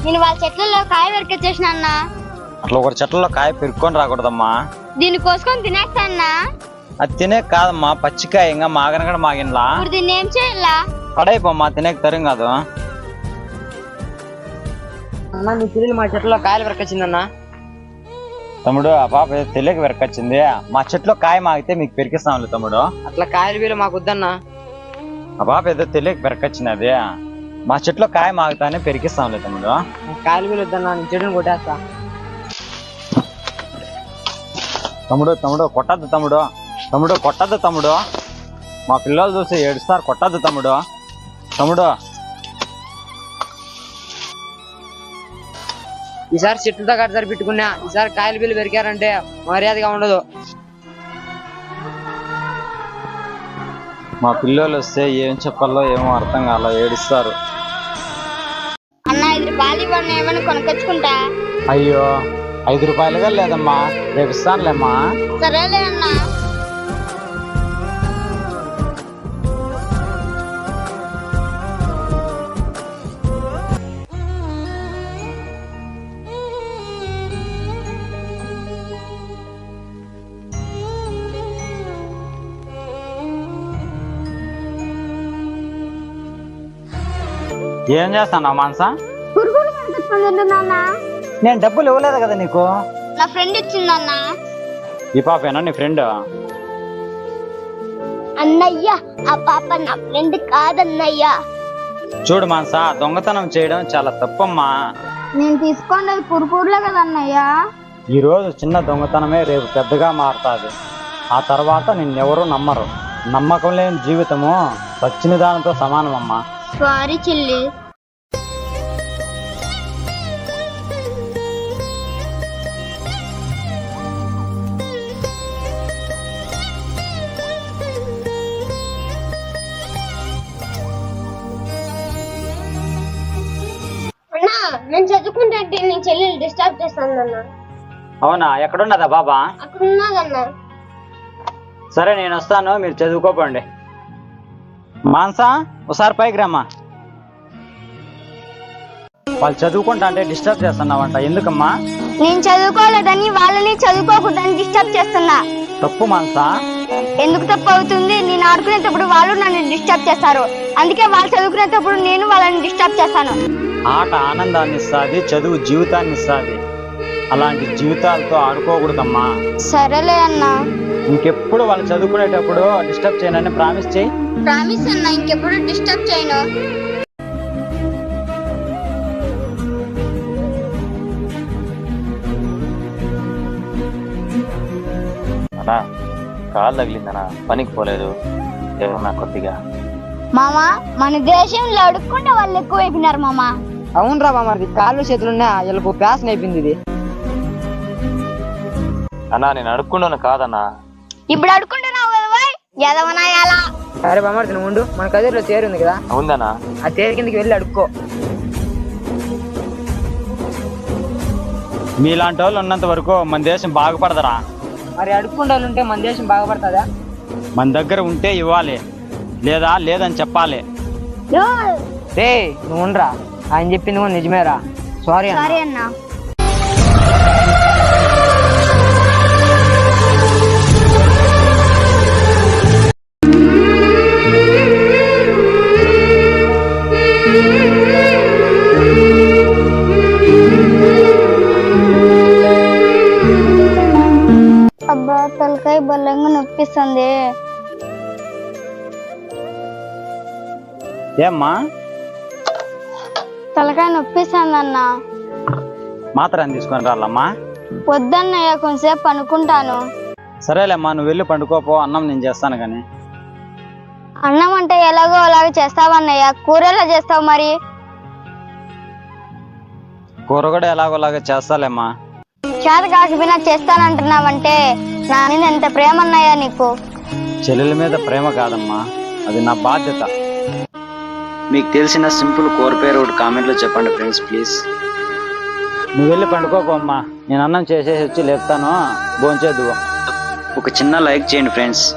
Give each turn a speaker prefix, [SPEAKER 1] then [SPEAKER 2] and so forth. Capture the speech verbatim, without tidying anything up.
[SPEAKER 1] నేను వాళ్ళ చెట్లలో కాయ పెరికొచ్చేసిన అన్న.
[SPEAKER 2] అట్లా ఒక చెట్లలో కాయ పెరుక్కొని రాకూడదమ్మా.
[SPEAKER 1] దీన్ని కోసుకొని తినేస్తా అన్నా.
[SPEAKER 2] అది తినే కాదమ్మా, పచ్చికాయ ఇంకా మాగన కూడా మాగినలా.
[SPEAKER 1] ఇప్పుడు దీన్ని ఏం చేయాలా?
[SPEAKER 2] పడైపోమ్మా, తినేక తరం కాదు.
[SPEAKER 3] అన్న మీ చెల్లెలు మా చెట్లలో కాయలు పెరకొచ్చిందన్నా.
[SPEAKER 2] తమ్ముడు ఆ పాప తెలియక పెరకొచ్చింది. మా చెట్లో కాయ మాగితే మీకు పెరికిస్తాంలే తమ్ముడు.
[SPEAKER 3] అట్లా కాయలు వీలు మాకు వద్దన్నా.
[SPEAKER 2] ఆ పాప ఏదో తెలియక పెరకొచ్చింది, అది మా చెట్లో కాయ మాగుతానే పెరికిస్తాంలే తమ్ముడు.
[SPEAKER 3] కాయలు వీలు వద్దన్నా, నీ చెడుని కొట్టేస్తా.
[SPEAKER 2] తమ్ముడు తమ్ముడు కొట్టద్దు తమ్ముడు, తమ్ముడు కొట్టద్దు తమ్ముడు. మా పిల్లలు చూసి ఏడుస్తారు, కొట్టద్దు తమ్ముడు. తమ్ముడు
[SPEAKER 3] ఈసారి చెట్లతో కట్టసారి పెట్టుకున్నా, ఈసారి కాయలు బిల్లు పెరికారంటే మర్యాదగా ఉండదు.
[SPEAKER 2] మా పిల్లలు వస్తే ఏం చెప్పాలో ఏమో అర్థం కాలో ఏడుస్తారు.
[SPEAKER 1] అన్న ఐదు రూపాయలు ఇవ్వండి, ఏమైనా కొనుక్కొచ్చుకుంటా.
[SPEAKER 2] అయ్యో ఐదు రూపాయలుగా లేదమ్మా, రేపు ఇస్తానులేమ్మా.
[SPEAKER 1] సరేలే అన్నా.
[SPEAKER 2] ఏం చేస్తాను మానసా?
[SPEAKER 1] పురుగులు కనిపిస్తుందన్నా.
[SPEAKER 2] నేను డబ్బులు ఇవ్వలేదు కదా నీకు.
[SPEAKER 1] నా ఫ్రెండ్ ఇచ్చిందన్నా.
[SPEAKER 2] ఈ పాపేనా నీ ఫ్రెండ్?
[SPEAKER 1] అన్నయ్య ఆ పాప నా ఫ్రెండ్ కాదన్నయ్య.
[SPEAKER 2] చూడు మానసా, దొంగతనం చేయడం చాలా తప్పమ్మా.
[SPEAKER 1] నేను తీసుకున్నది కురుకూరులే కదన్నయ్య.
[SPEAKER 2] ఈ రోజు చిన్న దొంగతనమే రేపు పెద్దగా మారుతుంది. ఆ తర్వాత నిన్నెవరూ నమ్మరు. నమ్మకం లేని జీవితము వచ్చిన దానితో సమానమమ్మా.
[SPEAKER 1] సారీ చెల్లి. అన్నా నేను చదువుకుంటే నేను చెల్లెలు డిస్టర్బ్ చేస్తాను.
[SPEAKER 2] అవునా, ఎక్కడున్నదా బాబా?
[SPEAKER 1] అక్కడ ఉన్నదన్నా.
[SPEAKER 2] సరే నేను వస్తాను, మీరు చదువుకోపండి. మానసా ఒకసారి పైకి రమ్మా. వాళ్ళు చదువుకుంటా అంటే డిస్టర్బ్ చేస్తున్నావంట, ఎందుకమ్మా?
[SPEAKER 1] నేను చదువుకోలేదని వాళ్ళని చదువుకోకూడదని డిస్టర్బ్ చేస్తున్నా.
[SPEAKER 2] తప్పు మానసా.
[SPEAKER 1] ఎందుకు తప్పు అవుతుంది? నేను ఆడుకునేటప్పుడు వాళ్ళు నన్ను డిస్టర్బ్ చేస్తారు, అందుకే వాళ్ళు చదువుకునేటప్పుడు నేను వాళ్ళని డిస్టర్బ్ చేస్తాను.
[SPEAKER 2] ఆట ఆనందాన్ని ఇస్తుంది, చదువు జీవితాన్ని ఇస్తుంది. అలాంటి జీవితాలతో ఆడుకోకూడదమ్మా.
[SPEAKER 1] సరేలే అన్నా.
[SPEAKER 2] ఇంకెప్పుడు వాళ్ళు చదువుకునేటప్పుడు డిస్టర్బ్ చేయనని ప్రామిస్ చేయి.
[SPEAKER 1] ప్రామిస్ అన్నా, ఇంకెప్పుడు డిస్టర్బ్ చేయను.
[SPEAKER 2] అన్నా కాలు తగిలిందనా, పనికి పోలేదు ఏమన్నా కొద్దిగా.
[SPEAKER 1] మామా మన దేశంలో అడుక్కుంటే వాళ్ళు ఎక్కువ అయిపోయినారు మామా.
[SPEAKER 3] అవునరా మామది, కాళ్ళు చేతులున్నా వీళ్ళకు ప్యాసన అయిపోయింది ఇది.
[SPEAKER 2] అన్నా నేను అడుక్కుంటాను కాదన్నా.
[SPEAKER 1] ఇప్పుడు అడుక్కుంటున్నావు కదా ఎదవనాయాలా.
[SPEAKER 3] సరే బామర్ది నువ్వు ఉండు, మన కదిరిలో తేరు ఉంది కదా.
[SPEAKER 2] అవుందనా?
[SPEAKER 3] ఆ తేరు కిందకి వెళ్ళి అడుక్కో.
[SPEAKER 2] మీలాంటి వాళ్ళు ఉన్నంత వరకు మన దేశం బాగుపడదరా.
[SPEAKER 3] మరి అడుక్కుండాలు ఉంటే మన దేశం బాగుపడుతుందా?
[SPEAKER 2] మన దగ్గర ఉంటే ఇవ్వాలి, లేదా లేదని చెప్పాలి.
[SPEAKER 3] రే నువ్వు ఉండరా, ఆయన చెప్పింది కూడా నిజమేరా. సారీ
[SPEAKER 1] సారీ అన్నా. అబ్బా తలకాయ బలంగా నొప్పిస్తుంది.
[SPEAKER 2] ఏమ్మా?
[SPEAKER 1] తలకాయ నొప్పిస్తుంది అన్న.
[SPEAKER 2] మాత్రం తీసుకొని రాలమ్మా.
[SPEAKER 1] వద్దన్నయ్య, కొంచెంసేపు పనుకుంటాను.
[SPEAKER 2] సరేలేమ్మా, నువ్వు వెళ్ళి పండుకోపో, అన్నం నేను చేస్తాను కానీ.
[SPEAKER 1] అన్నం అంటే ఎలాగో అలాగే చేస్తావన్నయ్య, కూర ఎలా చేస్తావు మరి?
[SPEAKER 2] కూర కూడా ఎలాగోలాగా చేస్తాలేమ్మా.
[SPEAKER 1] చేత కాకపోయినా చేస్తానంటున్నావంటే నా మీద ఎంత ప్రేమ అన్నయ్యా నీకు.
[SPEAKER 2] చెల్లెల మీద ప్రేమ కాదమ్మా, అది నా బాధ్యత. మీకు తెలిసిన సింపుల్ కూర పేరు ఒకటి కామెంట్లో చెప్పండి ఫ్రెండ్స్ ప్లీజ్. నువ్వు వెళ్ళి పండుకోపమ్మా, నేను అన్నం చేసేసి వచ్చి లేపుతాను, భోంచేద్దు. ఒక చిన్న లైక్ చేయండి ఫ్రెండ్స్.